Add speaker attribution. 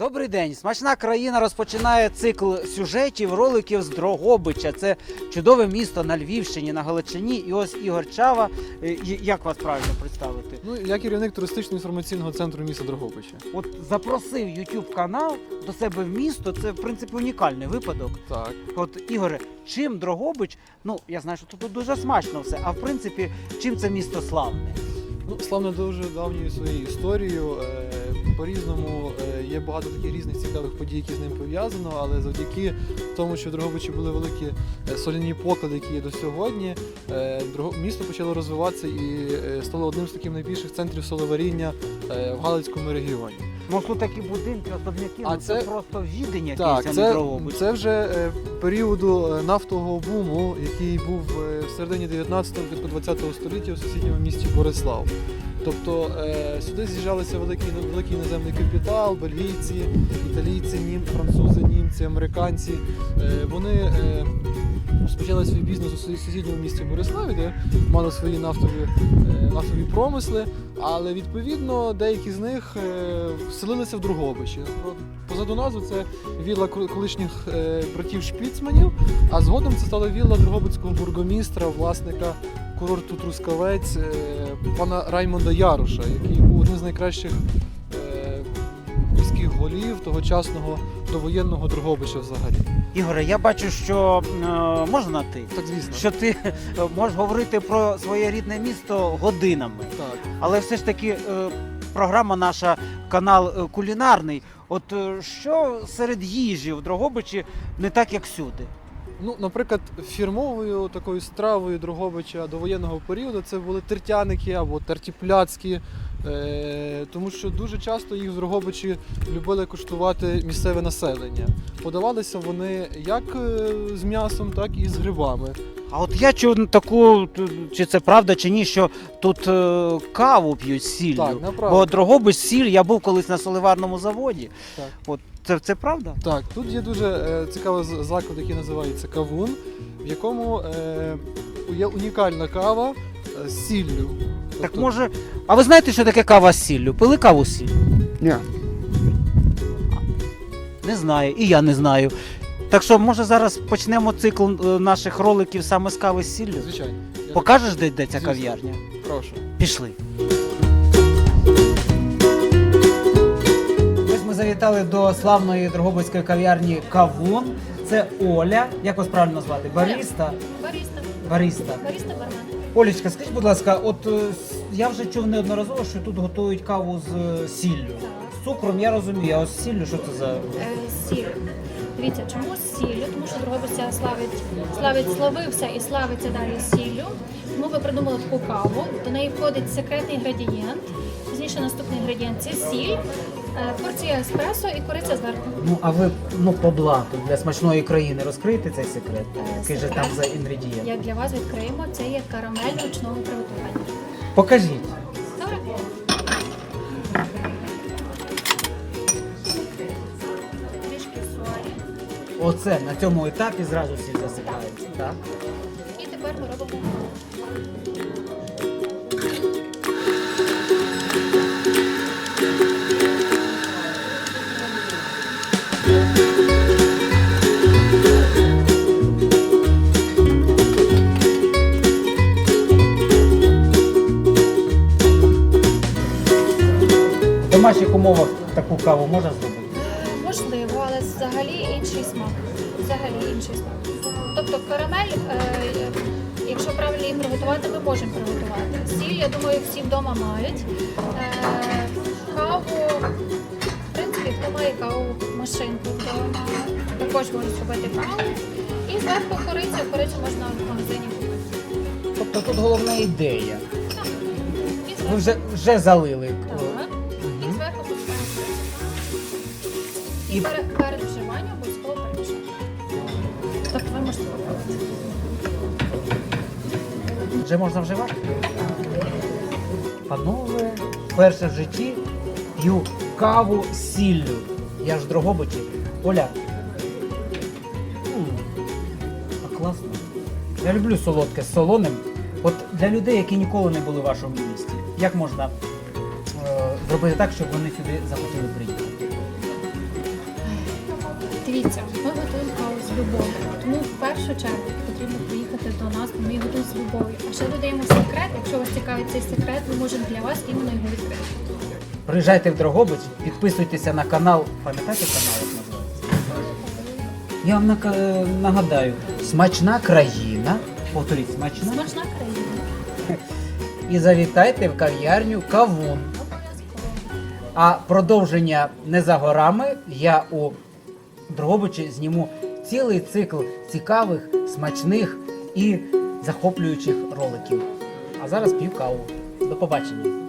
Speaker 1: Добрий день! Смачна країна розпочинає цикл сюжетів, роликів з Дрогобича. Це чудове місто на Львівщині, на Галичині. І ось Ігор Чава. Як вас правильно представити?
Speaker 2: Ну, я керівник туристично-інформаційного центру міста Дрогобича.
Speaker 1: От запросив YouTube канал до себе в місто. Це, в принципі, унікальний випадок.
Speaker 2: Так.
Speaker 1: От, Ігоре, чим Дрогобич? Ну, я знаю, що тут дуже смачно все. А в принципі, чим це місто славне?
Speaker 2: Ну, славно дуже давньою своєю історією. По-різному є багато таких різних цікавих подій, які з ним пов'язано, але завдяки тому, що в Дрогобичі були великі соляні поклади, які є до сьогодні, місто почало розвиватися і стало одним з таких найбільших центрів соловаріння в Галицькому регіоні.
Speaker 1: Ну, тут такі будинки, особняки, це просто відень якийсь,
Speaker 2: так,
Speaker 1: а не Дрогобич.
Speaker 2: це вже періоду нафтового буму, який був в середині 19-го, 20-го століття у сусідньому місті Борислав. Тобто сюди з'їжджалися великий іноземний капітал, бельгійці, італійці, французи, німці, американці. Вони розпочали свій бізнес у сусідньому місті Бориславі, де мали свої нафтові промисли, але відповідно деякі з них вселилися в Дрогобичі. Позаду назви це вілла колишніх братів Шпіцманів, а згодом це стала вілла дрогобицького бургомістра, власника курорту Трускавець, пана Раймонда Яруша, який був одним з найкращих міських голів тогочасного довоєнного Дрогобича взагалі.
Speaker 1: Ігоре, я бачу, що можна ти?
Speaker 2: Так, звісно.
Speaker 1: Що ти можеш говорити про своє рідне місто годинами.
Speaker 2: Так.
Speaker 1: Але все ж таки програма наша, канал кулінарний. От що серед їжі в Дрогобичі не так, як всюди?
Speaker 2: Ну, наприклад, фірмовою такою стравою Дрогобича довоєнного періоду це були тертяники або тертіпляцькі, тому що дуже часто їх в Дрогобичі любили куштувати місцеве населення. Подавалися вони як з м'ясом, так і з грибами.
Speaker 1: А от я чув таку, чи це правда, чи ні, що тут каву п'ють з сіллю.
Speaker 2: Так, направду.
Speaker 1: Бо Дрогобич сіль, я був колись на соливарному заводі.
Speaker 2: Так.
Speaker 1: От це правда?
Speaker 2: Так, тут є дуже цікавий заклад, який називається Кавун, в якому є унікальна кава з сіллю.
Speaker 1: Так може. А ви знаєте, що таке кава з сіллю? Пили каву з сіллю?
Speaker 2: Ні.
Speaker 1: Не знаю, і я не знаю. Так що, може, зараз почнемо цикл наших роликів саме з кави з сіллю?
Speaker 2: Звичайно.
Speaker 1: Покажеш, де ця
Speaker 2: Звісно.
Speaker 1: кав'ярня?
Speaker 2: Прошу.
Speaker 1: Пішли. Ось ми завітали до славної дрогобицької кав'ярні Кавун. Це Оля. Як вас правильно назвати? Бариста? Бариста.
Speaker 3: Бармен.
Speaker 1: Олечка, скажіть, будь ласка, от я вже чув неодноразово, що тут готують каву з сіллю. З цукром я розумію, а ось з сіллю що це за...
Speaker 3: Сіль. Дивіться, чому з сіллю? Тому що Дрогобиця славився і славиться далі сіллю. Тому ви придумали таку каву. До неї входить секретний інгредієнт. Пізніше наступний інгредієнт – це сіль, порція еспресо і кориця зверху.
Speaker 1: Ну, а ви по блату для смачної країни розкриєте цей секрет? Який же там за інгредієнт?
Speaker 3: Як для вас відкриємо, це є карамель ручного приготування.
Speaker 1: Покажіть.
Speaker 3: Добре? Трішки солі.
Speaker 1: Оце на цьому етапі зразу всі засипаються, так?
Speaker 3: І тепер ми робимо.
Speaker 1: В домашніх умовах таку каву можна зробити?
Speaker 3: Можливо, але взагалі інший смак. Тобто карамель, якщо правильно її приготувати, ми можемо приготувати. Сіль, я думаю, всі вдома мають. Каву, в принципі, хто має каву машинку вдома, також може зробити каву. І зверху корицю можна в магазині купити.
Speaker 1: Тобто тут головна ідея.
Speaker 3: Так. І
Speaker 1: Ви
Speaker 3: зверху,
Speaker 1: вже залили.
Speaker 3: так. І зверху поставимо
Speaker 1: І-
Speaker 3: І перед вживанням обов'язково перемішати. Тобто ви можете попробувати.
Speaker 1: Вже можна вживати? Панове, вперше в житті п'ю каву з сіллю. Я ж в Дрогобичі. Оля. А класно. Я люблю солодке з солоним. От для людей, які ніколи не були в вашому місті, як можна зробити так, щоб вони сюди захотіли приїхати?
Speaker 3: Дивіться, ми готуємо каву з любов'ю. Тому в першу чергу потрібно приїхати до нас, бо ми її готуємо з любов'ю. А ще додаємо секрет. Якщо вас цікавить цей секрет, ми можемо для вас іменно його відкрити.
Speaker 1: Приїжджайте в Дрогобич, підписуйтеся на канал. Пам'ятаєте канал, як називається? Я вам нагадаю, смачна країна. Повторіть, смачна.
Speaker 3: Смачна країна.
Speaker 1: І завітайте в кав'ярню Кавун.
Speaker 3: Обов'язково.
Speaker 1: А продовження не за горами. Я у Дрогобичі зніму цілий цикл цікавих, смачних і захоплюючих роликів. А зараз п'ю каву. До побачення.